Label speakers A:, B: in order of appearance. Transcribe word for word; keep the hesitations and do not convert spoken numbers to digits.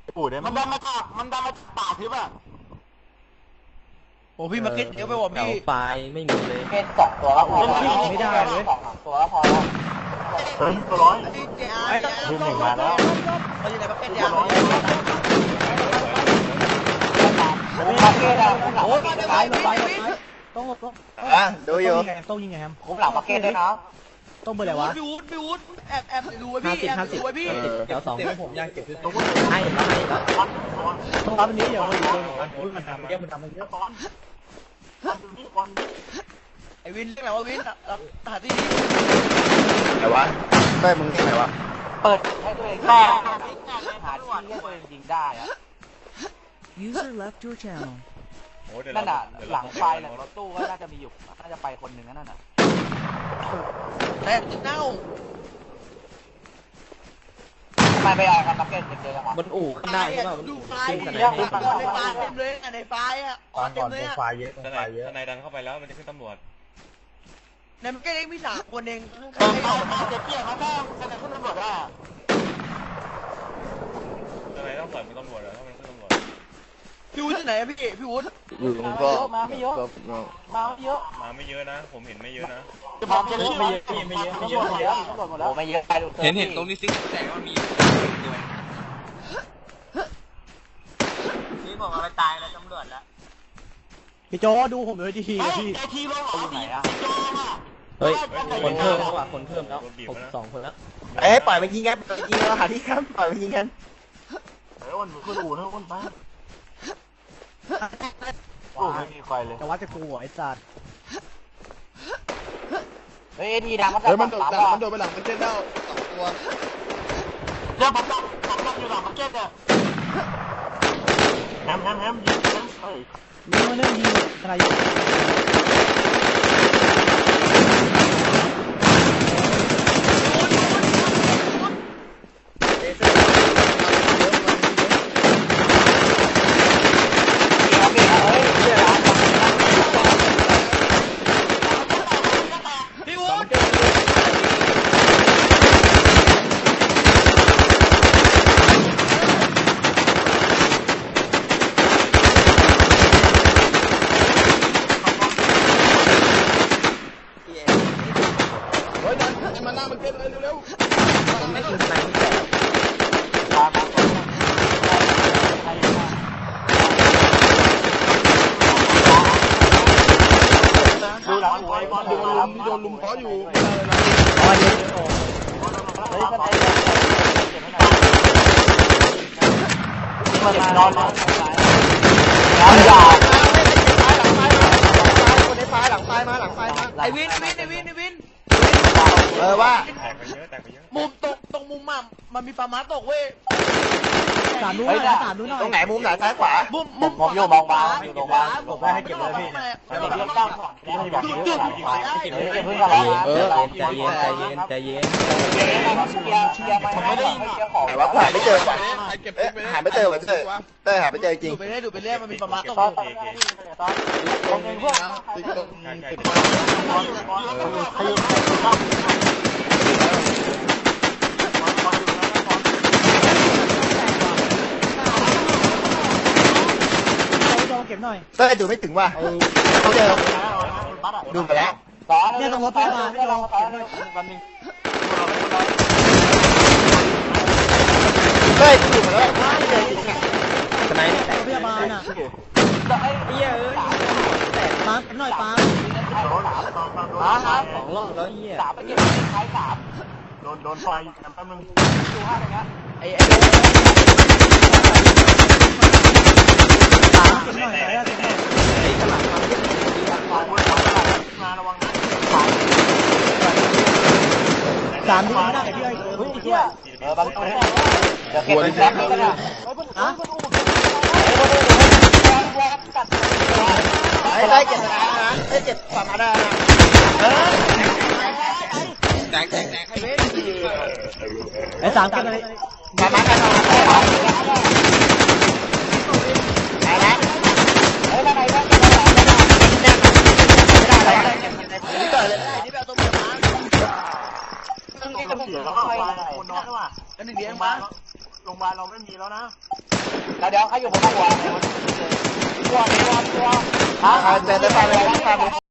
A: ปูดได้มันดันมาจากมันดันมาป่าทิพย์อะ
B: โอ้พี่มาเก็ตเยอะไปบอกพี่
C: ไฟไม่มีเลย
D: เก็ตสองตัวแล้วพอ
B: ไม่ได้เลย
D: สองตัวแล้วพอแล้ว
A: เฮ้ยตัวร้อย
D: ทีมหนึ่งมาแล้ว
B: เขาอยู่ในมาเก็ตยาว
D: มาเก็ตอะ
B: โอ้ยไปไปไปต้องต้อง
C: อ่ะดูอยู่
B: ต้องยิงไงครับ
D: คุ้มหลังมาเก็ตด้วยนะ
B: ต้องเบอร์อะไรวะพี่วุฒิพี่วุฒิแอบแอบดูไว้พี่แอบดูไว้พี่
C: เดี๋ยวสอง
B: ผมอยากเก็บ
C: ต้องให้ให้
B: ต้องรับอันนี้เดี๋ยวมันอยู่ตรงนั้นโอ้ยมันทำเยอะมันทำเยอะตอนไอวินเรียกไหนวะวินรับหาที่นี่
C: ไหนวะได้มึงที่ไหนวะ
D: เปิดให้ตัวเองได้หาที่ให้ตัวเองยิงได้อะ
E: User left your channel
D: นั่นน่ะหลังไฟหลังรถตู้ก็น่าจะมีอยู่น่าจะไปคนหนึ่งนั่นน่ะ
B: แต่จะเน่า
D: ทำไมไปเอาครับมาเก็ตเจอจังหวะ
C: บนอู่ข้างได้ใช่ป่ะ
B: ดูไฟในไฟเต็มเลยในไฟอ่ะอ๋อเต็มเลยอ่ะ
F: ไฟเยอะไฟเยอะนายดันเข้าไปแล้วมันจะขึ้นตำรวจ
B: ในมันก็เองมีสามคนเอง
A: ข้างๆเจ็บเปี้ยเขาต้องแสดงขึ้นตำรวจว่า
F: ทนายต้องปล่อยเป็นตำรวจเหรอถ้ามันขึ้นตำรวจ
B: พี่วุฒิที่ไหนพี่พี่วุฒิ
C: อยู่ก็
D: มาไม่เยอะมาไม่เยอะ
F: มาไม่เยอะนะผมเห็นไม่เยอะนะ
A: ผมจะไม่เยอะไม่เยอะไม่เยอะไม่เยอะ
D: โอ้ไม่เยอะ
C: เห็นเห็นตรงนี้ซิกแต่ว่ามีตัว
D: นี่บอกว่าไปตายแล้วตำรวจแล้ว
B: พี่โจดูผมเลยทีพี่
A: ทีทีลงออกไหนอะ
C: เฮ้ยคนเพิ่มแล้วว่ะคนเพิ่มแล้วผมสองคนแล้วเอ้ยปล่อยไปยิงกันปล่อยยิงกันหาที่ครับปล่อยไปยิงกัน
A: เฮ้ยวันขึ้นอู่นะวันไปโอ้ไม่มีใครเลย
B: แต่ว่าจะกูหัวไอ้สัตว์
D: เฮ้ยทีดังมันดังมันโดดมันโดดไปหลังมันเจ็ดแล้วสองตัว
A: เดี๋ยวผมดังผมดังอยู่หลังมาร์เก็ตเนี่ยแฮมแฮมแฮมยิงแฮมเฮ้ย
B: มีมาเรื่องยิงอะไรอยู่
F: โดนลุมเขาอยู่
B: อ๋อเดี๋ยว
D: เฮ้ยข้างในมันนอนนอนนอนยาว
B: คนในไฟหลังไฟมาหลังไฟมาไอวินไอวินไอวินไอวิน
C: เออว่า
F: แตกไปเยอะแตกไปเยอะ
B: มุมตรงตรงมุมอ่ะมันมีปลาม้าตกเว้ยสามนู้นหน่อยสามนู้นหน่อย
C: ตรงไหนมุมไหนซ้ายขวา
B: มุมมุม
D: ผมอยู่มองบาอยู่มองบา
B: ผมให้เก็บเลยพี่
D: เดี๋ยวเรื่องตั้งที่ให้แบบนี้เก็บเพิ่งกัน
C: เอ
D: แล้ว
C: อใจเย็นใจเย็นใจเย็น
D: เชียร์เชียร์ไม่ได้เชียร์ของ
C: แต่ว่าหาไม่เจอว่ะหาไม่เจอว่ะเต้เต้หาไม่เจอจริง
B: ดูไปเรื่อยดูไปเรื่อยมันมีปลาม้าตก
D: ตอนตอนตอนเพื่อน
F: ติ๊กต๊อกติ๊ก
B: เก็บหน่อย
C: เต้ดูไม่ถึงว่ะเขาเจอดูไปแล้ว
B: เนี่ยต้องรถพยาบาลให้เราเก็บหน่อย
A: วันนึง
C: เต้ดูไปแล้วไม่เจอจริงอ่ะทนายนี่แต่
B: รถพยาบาลอ่ะ
C: เหี้ยเอ้ย
B: ปาเก็บหน่อยปา
C: สองรอบแล้วเหี้ย
D: สามไปเก็บใช้สาม
A: โดนโดนไฟแป๊บนึง
D: ดูห้าอย่างเงี้ย
B: ไอ้ไอ้เก็บหน่อยไอ้เก็บหน่อย
C: ไอ้ข้างหลังมาเก็บ
A: มาระวังนะ
B: สามที่ไม่ได้พี่ไอ้เฮ้ยเชี่ย
D: เออบางคนเดี๋ยวเก็บแป๊บนึงก็ได้
B: ฮะ
C: ไอ้ได้เจ็บนะไอ้เจ็บฝั่งอะไรนะเออแตกแตกแตกให้เว้ย
B: ไอ้สามเก็บเลย
C: มามากันหน่อยไปแล้ว
D: เฮ้ยอะไรบ้าง
C: ไม่ได้อะไรนี่ก่อนเลย
B: นี่แบบตัวเมียมา
D: ต้องนี่จะเสียแล้วไฟคนนอนด้วยว่ะ
B: กันหนึ่งเดียวมา
A: โรงพยาบาลเราไม่ไม่มีแล้วนะ
D: เดี๋ยวใครอยู่บนหัวหัวหัวหัว
C: อ่าเจอได้ไปเลย